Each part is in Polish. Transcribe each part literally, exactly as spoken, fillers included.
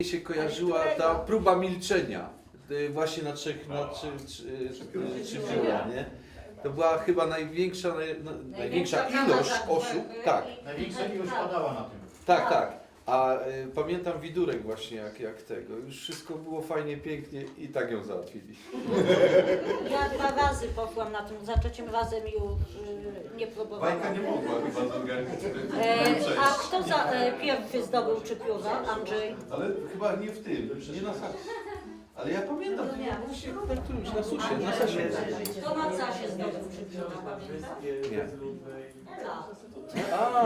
się kojarzyła ta próba milczenia. y, Właśnie na trzech, na trzy, trzy, trzy, trzy biura, nie? To była chyba największa, naj, no, największa ilość osób. Tak, Największa ilość padała na tym. tak, tak. A y, pamiętam Widurek właśnie jak, jak tego. Już wszystko było fajnie, pięknie i tak ją załatwili. Ja dwa razy poszłam na tym, za trzecim razem już y, nie próbowałam. Bajka nie mogła chyba zorganizować. E, a kto za, e, pierwszy zdobył trzy pióra? Andrzej? Ale chyba nie w tym, nie na sasie. Ale ja pamiętam, Właśnie na którymś, na susie, na sasie. Kto na casie zdobył trzy pióra, pamiętasz? Nie. Ela. A,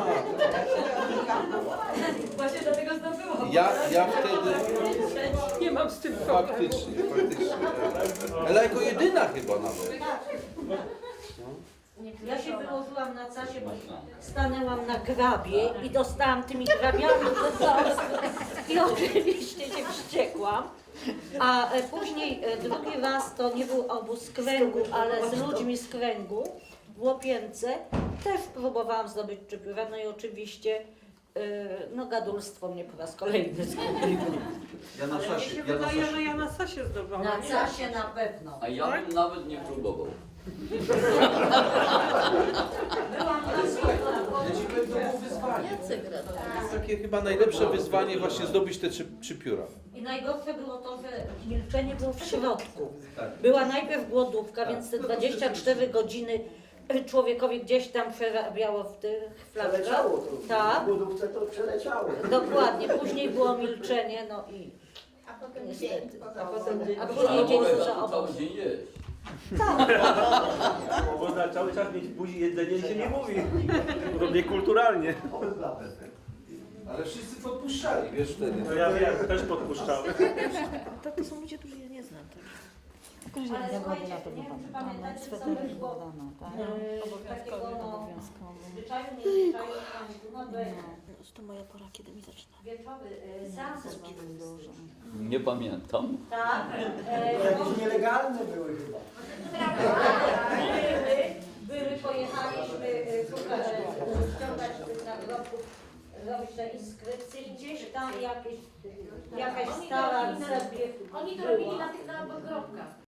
Właśnie dlatego zdobyłam. ja, ja wtedy... Nie mam z tym Faktycznie, faktycznie. Ale jako jedyna chyba nawet. Ja się wyłożyłam na casie, bo stanęłam na grabie i dostałam tymi grabiami do nosa. I oczywiście się wściekłam. A e, później e, drugi raz to nie był obóz z kręgu, ale z ludźmi z kręgu w Łopience. Też próbowałam zdobyć trzy pióra, no i oczywiście e, no gadulstwo mnie po raz kolejny zgubiło. Ja na Mi sasie, się ja na wydaje, że sasie. ja na sasie zdobyłam. Na casie na pewno. A ja bym nawet nie próbował. Byłam na Ja ci powiem, to było wyzwanie. To jest takie chyba najlepsze wyzwanie właśnie zdobyć te trzy, trzy pióra. I najgorsze było to, że milczenie było w środku. Była najpierw głodówka, więc te dwadzieścia cztery godziny człowiekowi gdzieś tam przerabiało w tych flaszkach. Przeleciało to. Tak. W budówce to przeleciało. Dokładnie. Później było milczenie, no i A potem niestety. dzień. A potem potem a Ale później dzień mogę za cały obóz. dzień jeść. Można cały czas mieć w buzi jedzenie i się nie mówi. To niekulturalnie. Ale wszyscy podpuszczali, wiesz wtedy. No ja wiem, też podpuszczałem. To, to są ludzie, którzy ja nie znam. Tak. Ale słuchajcie, nie wiem, czy pamiętacie, co my było e, takiego no, zwyczaju, niezwyczaju w Kamku, no to To moja pora, kiedy mi zaczyna. wieczory, e, seanse społeczne. Nie pamiętam. Tak. E, Jakieś nielegalne były chyba. były, były, pojechaliśmy e, szukać, e, ściągać tych nagrobków, robić te inskrypcje, gdzieś tam jakieś, jakaś stara sobie Oni to była. robili na tych nagrobkach.